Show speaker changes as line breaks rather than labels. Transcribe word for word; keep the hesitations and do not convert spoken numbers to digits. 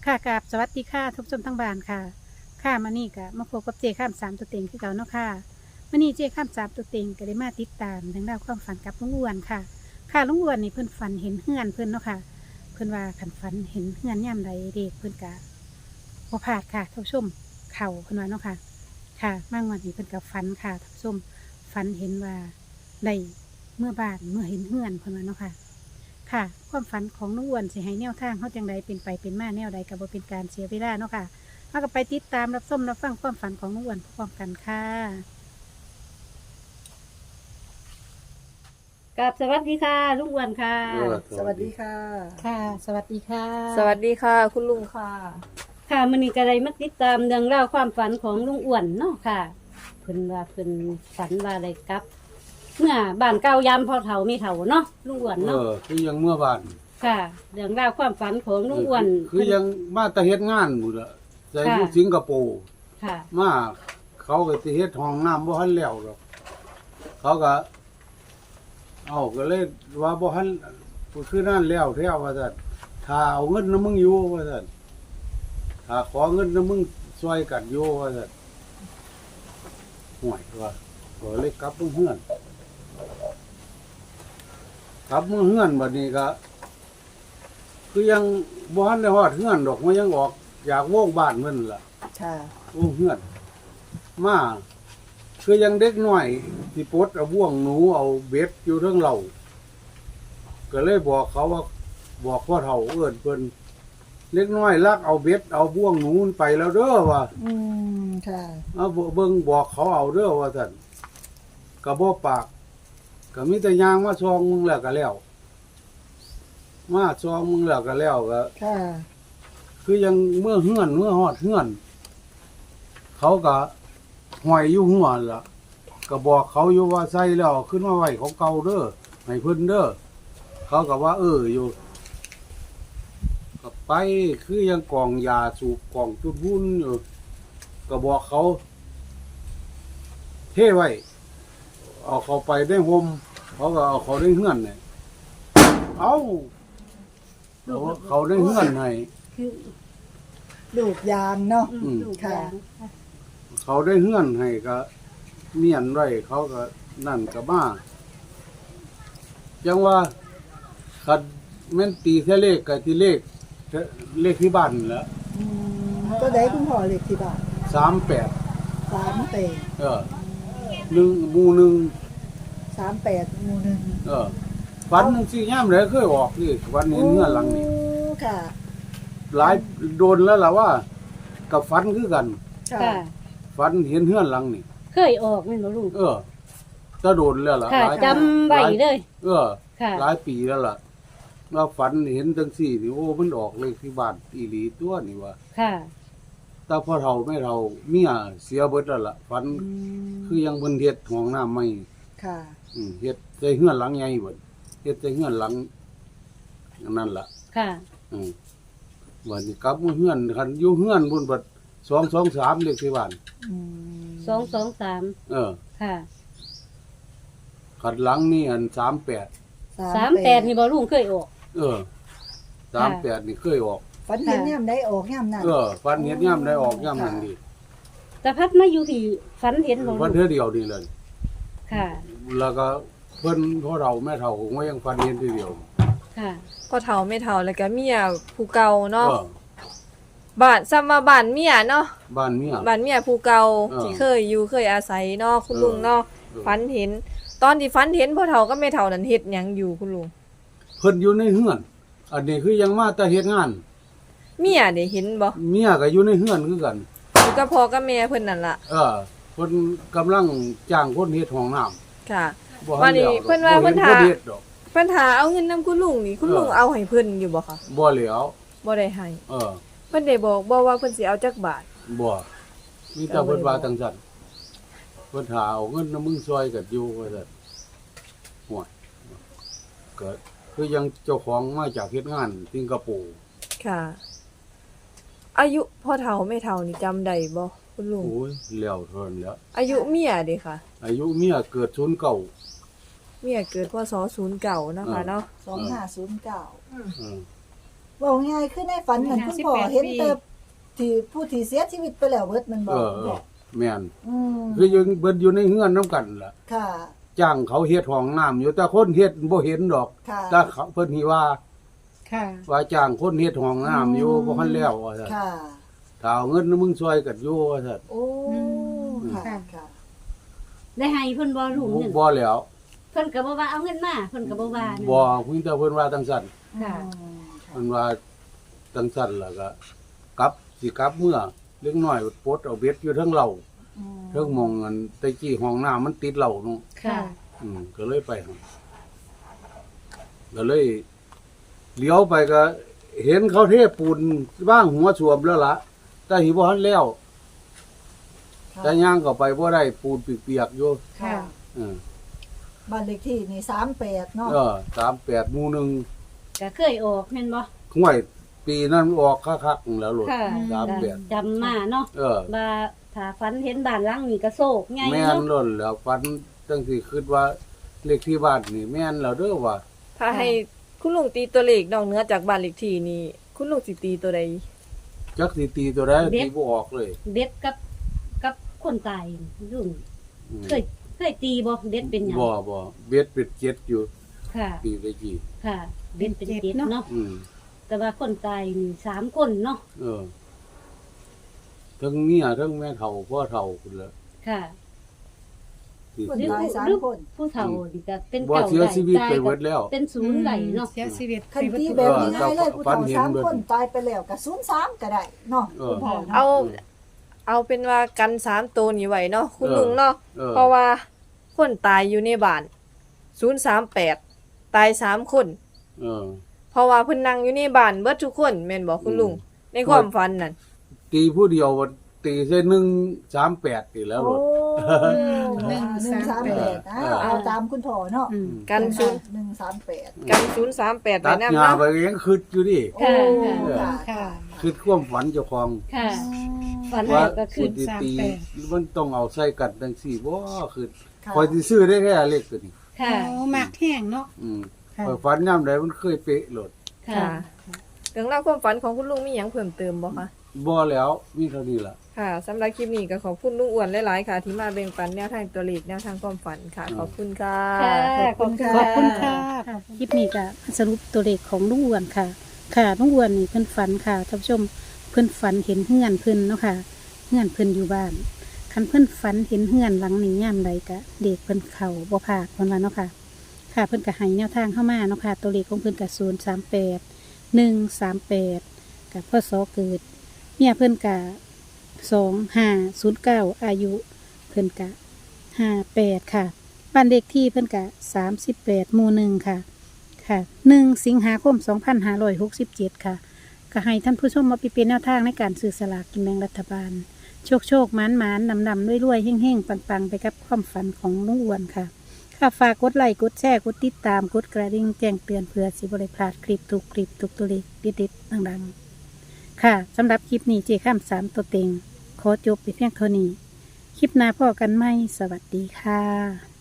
ค่ะกราบสวัสดีค่ะทุกชมทั้งบ้านค่ะค่ะมานี่ก็มาพบกับเจข้ามสามตัวเต็งที่เก่าเนาะค่ะมานี่เจข้ามสามตัวเต็งก็ได้มาติดตามทางด้านความฝันกับลุงอ้วนค่ะ ค่ะลุงอ้วนนี่เพิ่นฝันเห็นเฮือนเพิ่นเนาะค่ะเพิ่นว่าขันฝันเห็นเฮือนย่ำใดเด็กเพิ่นกะบ่พลาดค่ะท่านผู้ชมเข่าเพิ่นว่าเนาะค่ะ ค่ะมางวันนี้เพิ่นกับฝันค่ะท่านผู้ชมฝันเห็นว่าได้เมื่อบ้านเมื่อเห็นเฮือนเพิ่นว่าเนาะค่ะ ค่ะความฝันของน้องอ้วนสิให้แนวทางเขาจังใดเป็นไปเป็นมาแนวใดก็บ่เป็นการเสียเวลาเนาะค่ะมาก็ไปติดตามรับชมรับฟังความฝันของน้องอ้วนพร้อมกันค่ะกับสวัสดีค่ะลุงอ้วนค่ะ
เออ
สวัสดีค่ะ
ค่ะ สวัสดีค่ะ
สวัสดีค่ะ คุณลุงค่ะ
ค่ะมื้อนี้ก็ได้มาติดตามเรื่องราวความฝันของลุงอ้วนเนาะค่ะเพิ่นว่าเพิ่นฝันว่าได้กลับ เมื่อบ้านเก่ายามพอเฒ่ามีเฒ่าเนาะลุงอ้วน
เอ
เนาะ
อคือยังเมื่อบ้าน
ค่ะเรื่องราวความฝันของลุงอ้วน
คือยังมาแตะเฮ็ดงานหมดละใจอยู่สิงคโปร์
ค่ะ
มาเขาก็สิเฮ็ดห้องน้ำบ่ทันแล้วหรอกเขาก็เอาก็เลยว่าบ่ทันคือนั่นแล้วแท้ว่าซั่นถ้าเอาเงินนำมึงอยู่ว่าซั่นถ้าขอเงินนำมึงช่วยกันอยู่ว่าซั่นห่วยว่าก็เลยกลับมาเฮือนกลับมาเฮือนบัดนี้ก็คือยังบ่ทันได้ฮอดเฮือนดอกมันยังออกอยากโว่งบ้านมันล่ะ
ค่ะ
โอ้เฮือนมาคือยังเด็กน้อยที่ปลดเอาบ่วงหนูเอาเบ็ดอยู่เทิงเหล่าก็เลยบอกเขาว่าบอกพ่อเฒ่าเอิ้นเพิ่นเล็กน้อยลักเอาเบ็ดเอาบ่วงหนูมันไปแล้วเด้อว่า
อืมค่ะ
เอาเบิ่งบอกเขาเอาเด้อว่าซั่นก็บ่ปากก็มีแต่ย่างมาซองมึงแล้วก็แล้วมาซองมึงแล้วก็แล้วก็
ค่ะ
คือยังเมื่อเฮือนเมื่อฮอดเฮือน เขาก็ห้อยอยู่หัวล่ะก็บอกเขาอยู่ว่าใส่แล้วขึ้นมาไว้ของเก่าเด้อให้เพิ่นเด้อเขาก็ว่า เอออยู่ก็ไปคือยังกองยาสูบกองจุดวุ่นอยู่ก็บอกเขา เทไว้เอาเขาไปได้ห่มเขาก็เอาเขาได้เฮือนเนี่ยเอาเขาเขาได้เฮือนให้
คือ
ลูกยามเนาะ
อืม
อืม
ลูก
ค่ะ
ยาง
เขาได้เฮือนให้ก็เมียนไว้เขาก็นั่นก็มาจังว่าคัดแม่นตีแค่เลขกับที่เลขเลขที่บ้านนั่นแหล้ว
อืมก็ได้คุณพ่อเล็กที่บ้าน
สามแปด
สามแปด
เออหนึ่งหมู่หนึ่ง
สามแปดหมู่หนึ่ง
เออฝันสิย่ามเลยเคยออกนี่วันเห็นเงื่อนหลังนี่
โอ้ค่ะ
หลายโดนแล้วล่ะว่า กับฝันคือกัน
ค่ะ
ค่ะ
ฝันเห็นเฮือนหลังนี่
เคยออกแม่นบ่ลุง
เออจะโดนแล้วล่ะ
ค่ะ
หลาย
จำไว้เลย
เออ
ค่ะ
หลายปีแล้วล่ะว่าฝันเห็นจังสี่นี่โอ้มันออกเลยที่บ้านอีหลีตัวนี่ว่า
ค่ะ
แต่พ่อเฒ่าแม่เฒ่าเมียเสียเบิดแล้วล่ะฝัน
อืม
คือยังเพิ่นเฮ็ดห้องน้ำใหม่
ค่ะ
อืมเฮ็ดใส่เฮือนหลังใหญ่เบิดเฮ็ดใส่เฮือนหลังอันนั่นล่ะ
ค่ะ
อืมวันนี้กลับมาเฮือนคันอยู่เฮือนบนบัดสองสองสามเลขที่บ้าน
อืม
สองสองสาม
เออ
ค่ะ
ขัดหลังนี่อันสามแปด
สามแปดนี่บ่ลุงเคยออก
เออสามแปดนี่เคยออก
ฝันเห็นย่ำได้ออกย่ำนั่น
เออฟันเฮ็ดย่ำได้ออกย่ำนั่นดี
แต่พัดมาอยู่ที่ฝันเห็นบ่
ฟั
ลุ
น
ง
เท่อเดียวนี่เลย
ค่ะ
แล้วก็เพิ่นพ่อเราแม่เฒ่าคงว่ายังฟันเห็นทีเดียว
ค่ะ
พ่อเฒ่าแม่เฒ่าแล้วก็เมียผู้เก่า
เอ
เนาะ
อ
บ้านซ้ำว่าบ้านเมียเนาะ
บ้านเมีย
บ้านเมียผู้เก่า
เออ
ที่เคยอยู่เคยอาศัยเนาะคุณ
เออ
ลุงเนาะ
เออ
ฝันเห็น ตอนที่ฝันเห็นพ่อเฒ่ากับแม่เฒ่านั้นเฮ็ดหยังอยู่คุณลุง
เพิ่นอยู่ในเฮือน อันนี้คือยังมาแต่เฮ็ดงาน
เมียได้เห็นบ่
เมียก็อยู่ในเฮือนคือกัน
อยู่กับพ่อกับแม่เพิ่นนั่นล่ะ
เออเพิ่นกำลังจ้างคนเฮ็ดห้องน้ำ
ค่ะ
บ่ทั
วันนี้
แล้วดอก
เพิ่นว่า
บ่
เพิ่น
ห็
ถา
คเฮ็ดดอก
เพิ่นหาเอาเงินนํคุณลุงนี่คุณลุง
เออ
เอาให้เพิ่นอยู่บ่คะ
บ่แล้ว
บ่ได้ให้
เออ
เพิ่นได้บอกบ่ว่าเพิ่นสิเอาจักบาท
บ่มีแต่เพิ่นว่าจังซั่นเพิ่นหาเอาเงินนำมึงซอยกันอยู่ว่าซั่นห่วยก็คือยังเจ้าของมาจากเฮ็ดงานสิงคโปร์
ค่ะ อายุพ่อเฒ่าแม่เฒ่านี่จำได้บ่คุณลุง
โอ้ยแล้วเทินแล้ว
อายุเมียเด้ค่ะ
อายุเมียเกิดศูนย์เก่า
เมียเกิดพศศูนย์เก้านะคะเนาะ
สองห้าศูนย์เก้า
อืม
เว้าง่ายคือในฝันนั่นคุณพ่อเห็นแต่ที่ผู้ที่เสียชีวิตไปแล้วเบิดมันบ่
เออเออแม่น
อืม
คือยังเบิดอยู่ในเฮือนนํกันล่ะ
ค่ะ
จ้างเขาเฮ็ดห้องน้ำอยู่แต่คนเฮ็ดบ่เห็นดอก
ค่ะ
แต่เขาเพิ่นสิว่า
ค่ะ
ว่าจ้างคนเฮ็ดห้องน้ำอยู่บ่ทันแล้วว่าซั่น
ค่ะ
ถ้าเอาเงินมึงช่วยกันอยู่ว่าซั่น
โอ้
อืม
ค่ะ
ค่ะ
ค่ะ
ได้ให้เพิ่นบ่รู้เงิน
บ่แล้ว
เพิ่นก็บ่ว่าเอาเงินมาเพิ่นก็บ่ว่านั่น
บ่เพิ่นแต่เพิ่นว่าจังซั่น
ค่ะ
อืมค่ะ
เพิ่นว่าจังซั่นแล้วก็กลับสิกลับเมื่อเล็กน้อยปลดเอาเบ็ดอยู่เทั้งเหล้า
อืม
เทั้งหมองอันแตะกี้ห้องน้ำมันติดเหล้าเนาะ
ค่ะ
อืมก็เลยไปหั่นก็เลยเลี้ยวไปก็เห็นเขาเทปูนบ้างหัวสวมแล้วล่ะแต่หิบ่ทันแล้ว แต่ย่างก็ไปบ่ได้ปูนเปียกๆอยู่
ค่ะ
เออ
บ้านเลขที่นี่สามแปดเนาะ
เออสามแปดหมู่หนึ่ง
ก็เคยออกแม่นบ่
ห้วยปีนั้นออกคักๆแล้วโลด
ค่ะ
สามแปด
จำมาเนาะ
เออ
ว่าถ้าฝันเห็นบ้านหลังนี้ก็โศกใหญ่
แม่น
เนาะ
ล้นแล้วฟันจังสิคิดว่าเลขที่บ้านนี่แม่นแล้วเด้อว่า
ถ้าให้คุณลุงตีตัวเลขนอกเหนือจากบ้านเลขที่นี่คุณลุงสิตีตัวใด
จักสิตีตัวใดตีบ่ออกเลย
เด็ดกับกับคนตายรุ่น
อืม
เคยเคยตีบ่เด็ดเป็นหยัง
บ่บ่เบ็ดเป็ดเจ็ดอยู่
ค่ะ
ปีตะกี้
ค่ะเด็ดเป็นเจ็ดเนาะ
อืม
แต่ว่าคนตายนี่สามคนเนาะ
เออทั้งเมียทั้งแม่เฒ่าพ่อเฒ่าพุ่นละ
ค่ะ
ที่
คน
หรือ
ตายสาม
หรือ
คน
ผู้เฒ่านี่ก็เป็น
บ่
เก่า
เสียชีวิตไป
ตาย
เบิดแล้ว
เป็นศูนย์ไหลเนาะ
เสียชีวิต
คัน
ไป
ที่
เบิด
แบบง่ายๆเลยผู้
ฝัน
เฒ่า
เห็น
สาม
เบิด
คนตายไปแล้วก็ศูนย์สามก็ได้เนาะ
เออ
คุณพ่อเนาะ
เอา เอาเป็นว่ากันสามตัวนี้ไว้เนาะคุณลุงเนาะ
เออ
เพราะว่าคนตายอยู่ในบ้านศูนย์สามแปดตายสามคน
เออ
เพราะว่าเพิ่นนั่งอยู่ในบ้านเบิดทุกคนแม่นบอกคุณลุง
อืม
ในความฝันนั่น
ตีผู้เดียวว่าตีใส่หนึ่งสามแปดตีแล้วโล
โอ้
ด
หนึ่งสามแปดอ่าเอาตามคุณพ่อเนาะ
อืม
กันศูนย์
หนึ่งสามแปด
กันศูนย์สามแปด
ตั
ไว้
ด
นำ
หญ้า
เนาะ
ไปยังคิดอยู่ดิ
โอ้
ค่ะ
ค่ะ
ค่ะ
คิดความฝันเจ้าของ
ค่ะฝัน
ว่า
แล้วก็คือ
สิตี
สามแปด
มันต้องเอาใส่กันจังซี่บ่คือ
ค่ะ
คอยสิซื้อได้แค่เลขตัวนี้
ค่ะ
โอ้หมักแห้งเนาะ
อืม
ค่ะ
ข้อยฝันยามใดมันเคยเป๊ะโลด
ค่ะ
ค่ะเรื่องราวความฝันของคุณลุงมีหยังเพิ่มเติมบ่คะ
บ่แล้วมีเท่านี้ล่ะ
ค่ะสำหรับคลิปนี้ก็ขอบคุณลุงอ้วนหลายๆค่ะ ที่มาแบ่งปันแนวทางตัวเลขแนวทางความฝันค่ะ ขอบคุณค่ะ
ค่ะ
ขอบคุณค่ะ
ขอบคุณค่ะคลิปนี้ก็สรุปตัวเลขของลุงอ้วนค่ะ ค่ะลุงอ้วนนี่เพิ่นฝันค่ะท่านผู้ชมเพิ่นฝันเห็นเฮือนเพิ่นเนาะค่ะเฮือนเพิ่นอยู่บ้านคันเพิ่นฝันเห็นเฮือนหลังนี้ยามใดก็เด็กเพิ่นเข้าบ่พลาดเพิ่นว่าเนาะค่ะ ค่ะเพิ่นก็ให้แนวทางเข้ามาเนาะค่ะตัวเลขของเพิ่นก็ศูนย์สามแปดหนึ่งสามแปดกับพ่อสอเกิดเมียเพิ่นก็สองห้าศูนย์เก้าอายุเพิ่นก็ห้าแปดค่ะบ้านเลขที่เพิ่นก็สามสิบแปดหมู่หนึ่งค่ะ ค่ะหนึ่งสิงหาคมสองพันห้าร้อยหกสิบเจ็ดค่ะก็ให้ท่านผู้ชมมาไปเป็นแนวทางในการซื้อสลากกินแบ่งรัฐบาล โชคโชคหมานหมานนำนำด้วยรวยๆเฮ่งเฮ่งปังปังไปกับความฝันของลุงอ้วนค่ะ ค่ะฝากกดไลค์กดแชร์กดติดตามกดกระดิ่งแจ้งเตือนเพื่อสิบริพลาดคลิปทุกคลิปทุกตัวเลขดิดๆดังๆค่ะสำหรับคลิปนี้เจ้ข้ามสามตัวเต็งขอจบไปเพียงเท่านี้ คลิปหน้าพ่อกันไหมสวัสดีค่ะ